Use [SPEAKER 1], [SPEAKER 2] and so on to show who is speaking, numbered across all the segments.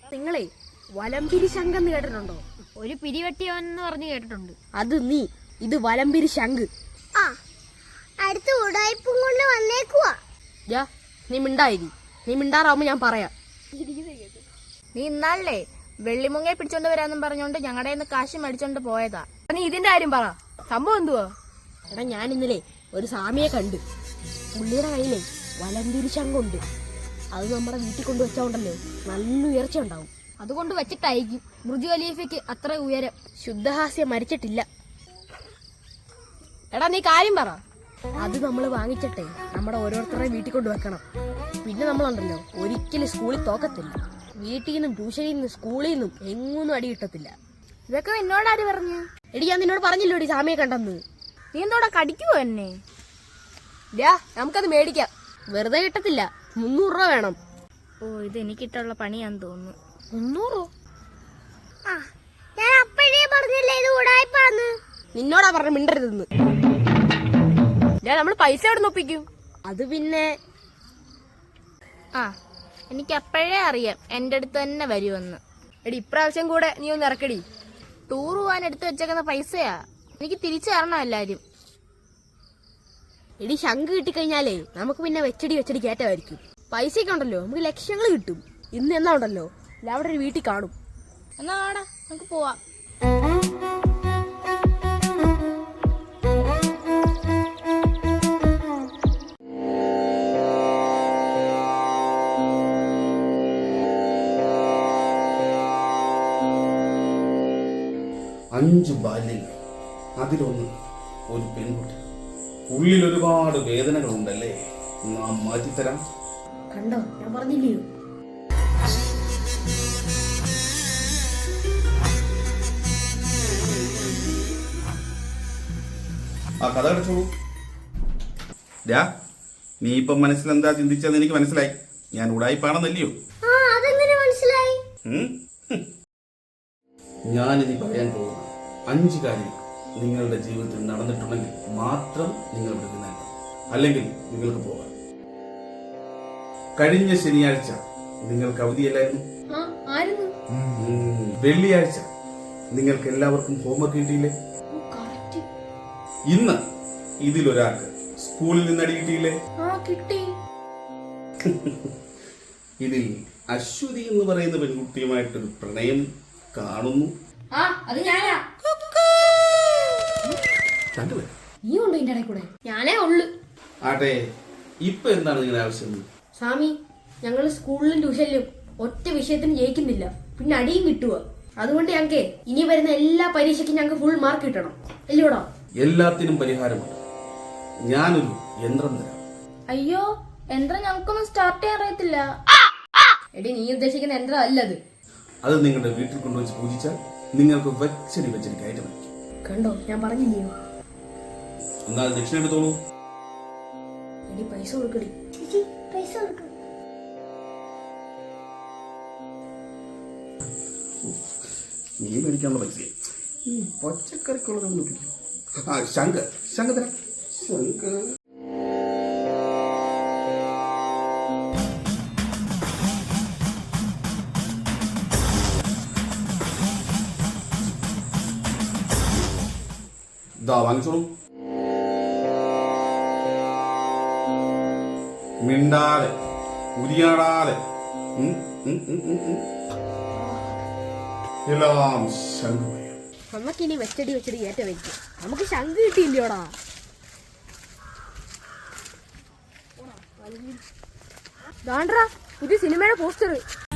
[SPEAKER 1] നിങ്ങളെ വലംപിരി ശംഖ് എന്ന് കേട്ടിട്ടുണ്ടോ?
[SPEAKER 2] ഒരു പിരിവെട്ടിയവനെന്ന് പറഞ്ഞു കേട്ടിട്ടുണ്ട്.
[SPEAKER 1] അത് നീ, ഇത് വലംപിരി ശംഖ്.
[SPEAKER 3] ആ, അടുത്ത ഉടായിപ്പും കൊണ്ട് വന്നേക്കുവാ.
[SPEAKER 1] നീ മിണ്ടായിരി. നീ മിണ്ടാറാവുമ്പോ ഞാൻ പറയാം.
[SPEAKER 2] നീ ഇന്നാളല്ലേ വെള്ളിമുങ്ങയെ പിടിച്ചോണ്ട് വരാന്നും പറഞ്ഞോണ്ട് ഞങ്ങളുടെ കയ്യിൽ നിന്ന് കാശ് മേടിച്ചോണ്ട് പോയതാ.
[SPEAKER 1] നീ ഇതിന്റെ കാര്യം പറ. സംഭവം എന്തുവാ? എടാ, ഞാൻ ഇന്നലെ ഒരു സ്വാമിയെ കണ്ട്. പുള്ളിയുടെ കയ്യിലെ വലംപിരി ശംഖുണ്ട്. അത് നമ്മുടെ വീട്ടിൽ കൊണ്ടുവച്ചോണ്ടല്ലോ നല്ല ഉയർച്ച ഉണ്ടാവും.
[SPEAKER 2] അതുകൊണ്ട് വെച്ചിട്ടായിരിക്കും ബുർജ് ഖലീഫയ്ക്ക് അത്ര ഉയരം.
[SPEAKER 1] ശുദ്ധഹാസ്യം മരിച്ചിട്ടില്ല. എടാ, നീ കാര്യം പറ. അത് നമ്മൾ വാങ്ങിച്ചിട്ടേ നമ്മുടെ ഓരോരുത്തരുടെയും വീട്ടിൽ കൊണ്ട് വെക്കണം. പിന്നെ നമ്മളുണ്ടല്ലോ ഒരിക്കലും സ്കൂളിൽ തോക്കത്തില്ല. വീട്ടിൽ നിന്നും ട്യൂഷനിൽ നിന്നും സ്കൂളിൽ നിന്നും എങ്ങൊന്നും അടി കിട്ടത്തില്ല.
[SPEAKER 2] ഇതൊക്കെ എന്നോടാര് പറഞ്ഞു?
[SPEAKER 1] എടി, ഞാൻ നിന്നോട് പറഞ്ഞില്ലോടി സാമിയെ കണ്ടെന്ന്.
[SPEAKER 2] നീ എന്തോടെ കടിക്കുവോ എന്നെ?
[SPEAKER 1] നമുക്കത് മേടിക്കാം. വെറുതെ കിട്ടത്തില്ല, 300 രൂപ വേണം.
[SPEAKER 2] ഓ, ഇത് എനിക്കിട്ടുള്ള പണിയാന്ന് തോന്നുന്നു.
[SPEAKER 1] 300?
[SPEAKER 3] ആ, ഞാൻ അപ്പോഴേ പറഞ്ഞില്ലേ ഇത് ഉടായിപ്പാന്ന്.
[SPEAKER 1] നിന്നോടാ പറഞ്ഞ മിണ്ടരുതെന്ന്. നമ്മൾ പൈസ എവിടെ ഒപ്പിക്കും? അത് പിന്നെ
[SPEAKER 2] എനിക്ക് അപ്പോഴേ അറിയാം എന്റെ അടുത്ത് തന്നെ വരുമെന്ന്.
[SPEAKER 1] എടി, ഇപ്രാവശ്യം കൂടെ നീ ഒന്ന് ഇറക്കടി.
[SPEAKER 2] ടൂർ പോവാൻ എടുത്തു വെച്ചേക്കുന്ന പൈസയാ. എനിക്ക് തിരിച്ചു തരണം എല്ലാരും.
[SPEAKER 1] എടി, ശംഖ് കിട്ടിക്കഴിഞ്ഞാലേ നമുക്ക് പിന്നെ വെച്ചടി കയറ്റമായിരിക്കും. പൈസയൊക്കെ ഉണ്ടല്ലോ, നമുക്ക് ലക്ഷങ്ങൾ കിട്ടും. ഇന്ന് എന്നാ ഉണ്ടല്ലോ അവിടെ ഒരു വീട്ടിൽ കാണും.
[SPEAKER 2] എന്നാ വാടാ, നമുക്ക് പോവാം.
[SPEAKER 4] അഞ്ച് ബാല്യങ്ങൾ, അതിലൊന്ന് ഒരു പെൺകുട്ടി. ഉള്ളിൽ ഒരുപാട് വേദനകളുണ്ടല്ലേ, നാം മാറ്റിത്തരാം.
[SPEAKER 1] കണ്ടോ, ഞാൻ പറഞ്ഞില്ലയോ?
[SPEAKER 4] ആ കഥ അടച്ചോളൂ. നീ ഇപ്പം മനസ്സിലെന്താ ചിന്തിച്ചതെന്ന് എനിക്ക് മനസ്സിലായി. ഞാൻ ഉടായിപ്പാണെന്നല്ലയോ?
[SPEAKER 3] അതെങ്ങനെ മനസ്സിലായി?
[SPEAKER 4] ഞാനിനി പറയാൻ പോകുന്ന 5 കാര്യം നിങ്ങളുടെ ജീവിതത്തിൽ നടന്നിട്ടുണ്ടെങ്കിൽ മാത്രം നിങ്ങൾ ഇവിടെ നിന്നാൽ, അല്ലെങ്കിൽ നിങ്ങൾക്ക് പോകാം. കഴിഞ്ഞ ശനിയാഴ്ച നിങ്ങൾക്ക് അവധിയല്ലായിരുന്നു? വെള്ളിയാഴ്ച നിങ്ങൾക്ക് എല്ലാവർക്കും ഹോംവർക്ക് കിട്ടിയില്ലേ? ഇന്ന് ഇതിലൊരാൾക്ക് സ്കൂളിൽ നിന്ന് അടി കിട്ടിയില്ലേ?
[SPEAKER 1] കിട്ടി.
[SPEAKER 4] ഇതിൽ അശ്വതി എന്ന് പറയുന്ന പെൺകുട്ടിയുമായിട്ടൊരു പ്രണയം കാണുന്നു.
[SPEAKER 1] അത് ഞാനാ. നീ ഉണ്ടോ ഇതിന്റെ ഇടയിൽ കൂടെ? ഞാനേ ഉള്ളു.
[SPEAKER 4] ആട്ടെ, ഇപ്പൊ എന്താണ് നിങ്ങളുടെ ആവശ്യം?
[SPEAKER 1] സ്വാമി, ഞങ്ങള് സ്കൂളിലും ട്യൂഷനിലും ഒറ്റ വിഷയത്തിന് ജയിക്കുന്നില്ല, പിന്നെ അടിയും കിട്ടുക. അതുകൊണ്ട് ഞങ്ങൾക്ക് ഇനി വരുന്ന എല്ലാ പരീക്ഷയ്ക്കും ഞങ്ങൾക്ക് ഫുൾ മാർക്ക് കിട്ടണം, അല്ലയോടാ?
[SPEAKER 4] എല്ലാത്തിനും പരിഹാരമുണ്ട്. ഞാനൊരു യന്ത്രം തരാം.
[SPEAKER 2] അയ്യോ, യന്ത്രം ഞങ്ങൾക്കൊന്നും സ്റ്റാർട്ട് ചെയ്യാൻ അറിയത്തില്ല.
[SPEAKER 1] എടി, നീ ഉദ്ദേശിക്കുന്ന യന്ത്രം അല്ലത്.
[SPEAKER 4] അത് നിങ്ങളുടെ വീട്ടിൽ കൊണ്ടുവച്ച് പൂജിച്ചാൽ നിങ്ങൾക്ക് വെച്ചടി കയറ്റമായിരിക്കും.
[SPEAKER 1] കണ്ടോ, ഞാൻ പറഞ്ഞില്ലയോ?
[SPEAKER 4] എന്നാൽ ദക്ഷിണ എടുത്തോളൂ.
[SPEAKER 1] എടി, പൈസ കൊടുക്കടി.
[SPEAKER 3] പൈസ കൊടുക്കും.
[SPEAKER 4] നീ മേടിക്കാനുള്ള പൈസ പച്ചക്കറിക്കുള്ളതൊന്നും പിടിക്കും. ശംഖ് തരാം. ശംഖ് വാങ്ങിച്ചോളൂ. മിണ്ടാതെ ഉരിയാടാതെ എല്ലാം ശംഖുമയം.
[SPEAKER 1] നമുക്കിനി വെച്ചടി കയറ്റമായിരിക്കും. നമുക്ക് ശംഖ് കിട്ടിയില്ലയോടാ? ദാണ്ട്രാ, പുതിയ സിനിമയുടെ പോസ്റ്റർ.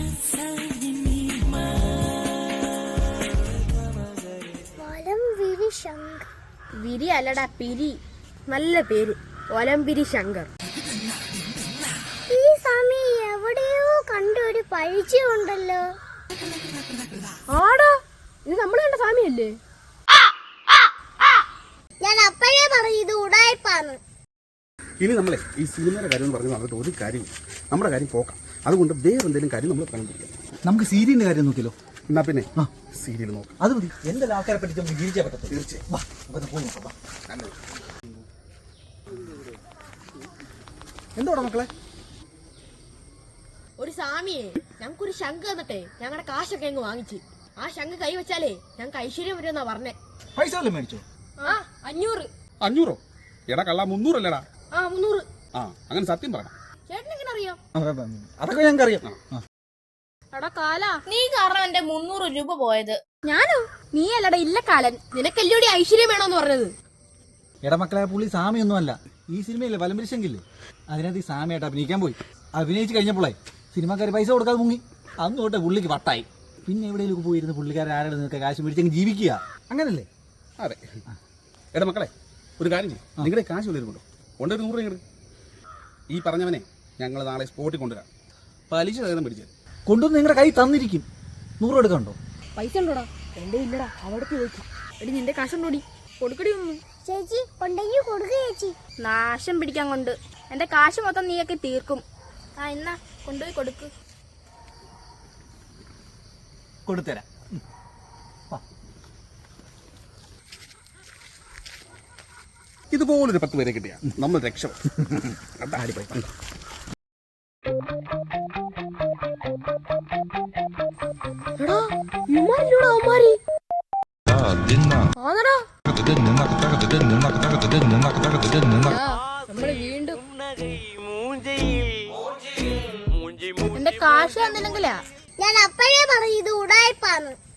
[SPEAKER 1] വിരി അല്ലടാ, പിരി. നല്ല പേര്, വലംപിരി ശങ്കർ.
[SPEAKER 3] ഈ സ്വാമി എവിടെയോ കണ്ടൊരു പരിചയമുണ്ടല്ലോ.
[SPEAKER 1] ആടാ, ഇത് നമ്മൾ കണ്ട സ്വാമിയല്ലേ?
[SPEAKER 3] ഞാൻ അപ്പോഴേ പറഞ്ഞു ഇത് ഉടായിപ്പാന്ന്.
[SPEAKER 4] ഇനി നമ്മളെ ഈ സിനിമയുടെ കാര്യം എന്ന് പറഞ്ഞാൽ നടന്നിട്ട് ഒരു കാര്യം, നമ്മുടെ കാര്യം പോക്കാം. അതുകൊണ്ട് വേറെ എന്തെങ്കിലും കാര്യം നമ്മൾ കണ്ടുപിടിക്കാം.
[SPEAKER 5] നമുക്ക് സീരിയലിന്റെ കാര്യം നോക്കിയല്ലോ.
[SPEAKER 4] എന്നാ പിന്നെ സീരിയൽ നോക്കാം.
[SPEAKER 5] അത് മതി. എന്തെല്ലാം ആൾക്കാരെ പറ്റി നമുക്ക് ജീവിക്കാൻ പറ്റും.
[SPEAKER 4] തീർച്ചയായും.
[SPEAKER 5] എന്തോടാ മക്കളെ?
[SPEAKER 1] ഒരു സ്വാമിയെ ഞങ്ങൾക്കൊരു ശംഖ് തന്നിട്ടേ ഞങ്ങളുടെ കാശൊക്കെ അങ്ങ് വാങ്ങിച്ച്. ആ ശംഖ് കൈ വെച്ചാലേ ഞങ്ങൾക്ക് ഐശ്വര്യം വരുമെന്നാ പറഞ്ഞേ.
[SPEAKER 5] പൈസ വല്ലതും മേടിച്ചോ?
[SPEAKER 1] ആ 500.
[SPEAKER 6] 500? എടാ കള്ള 300 അല്ലേടാ?
[SPEAKER 1] ആ 300.
[SPEAKER 6] ആ അങ്ങനെ സത്യം പറയണം.
[SPEAKER 1] ചേട്ടൻ എങ്ങനെ അറിയാം?
[SPEAKER 5] അതൊക്കെ ഞങ്ങൾക്ക് അറിയാം.
[SPEAKER 1] എടാ കാല,
[SPEAKER 2] നീ കാരണം എന്റെ 300 രൂപ പോയത്.
[SPEAKER 1] ഞാനോ? നീ അല്ലടാ ഇല്ല കാലൻ. നിനക്കല്ലോടി ഐശ്വര്യം വേണോന്ന് പറഞ്ഞത്.
[SPEAKER 5] എടാ മക്കളെ, പുള്ളി സാമിയൊന്നും അല്ല. ഈ സിനിമയില്ലേ വലംപരിശെങ്കില്ലേ, അതിനകത്ത് ഈ സാമിയായിട്ട് അഭിനയിക്കാൻ പോയി. അഭിനയിച്ച് കഴിഞ്ഞപ്പോഴേ സിനിമാക്കാർ പൈസ കൊടുക്കാതെ മുങ്ങി. അന്ന് തൊട്ടേ പുള്ളിക്ക് വട്ടായി. പിന്നെ എവിടെയെങ്കിലും പോയിരുന്ന് പുള്ളിക്കാരൻ ആരുടെ നിന്നൊക്കെ കാശ് മേടിച്ചെങ്കിൽ ജീവിക്കുക. അങ്ങനല്ലേ?
[SPEAKER 6] അതെ. എടാ മക്കളെ, ഒരു കാര്യം ചെയ്യും. നിങ്ങളുടെ കാശ് കൊണ്ടുവരുന്നുണ്ടോ? കൊണ്ടൊരു 100 രൂപ. ഈ പറഞ്ഞവനെ ഞങ്ങൾ നാളെ സ്പോട്ടിൽ കൊണ്ടുവരാം. പലിശ സഹിതം പിടിച്ചത്
[SPEAKER 5] കൊണ്ടുവന്ന് നിങ്ങളുടെ കൈ തന്നിരിക്കും. 100 എടുക്കണ്ടോ?
[SPEAKER 1] പൈസ ഉണ്ടോടാ? എന്റെ ഇല്ലടാ, അവിടേക്ക് ചോദിച്ചു. എടി നിന്റെ കാശുണ്ടോടി? കൊടുക്കടി ഒന്നും.
[SPEAKER 3] ചേച്ചി ഉണ്ടെങ്കിൽ കൊടുക്കുക ചേച്ചി.
[SPEAKER 2] നാശം പിടിക്കാൻ കൊണ്ട് എന്റെ കാശ് മൊത്തം നീയൊക്കെ തീർക്കും. ആ എന്നാ കൊണ്ടുപോയി കൊടുക്ക്.
[SPEAKER 5] കൊടുത്തരാം.
[SPEAKER 6] ഇതുപോലൊരു 10 പേരെ കിട്ടിയ നമ്മൾ രക്ഷപ്പെടും.
[SPEAKER 1] എടാ ഇമാരിലൂടെ അവന്മാരി. ആന്നടാ. നമ്മള് വീണ്ടും
[SPEAKER 2] എന്റെ കാശ് തന്നില്ലെങ്കിലാ.
[SPEAKER 3] ഞാൻ അപ്പഴേ പറഞ്ഞു ഇത് ഉടായ്പാന്ന്.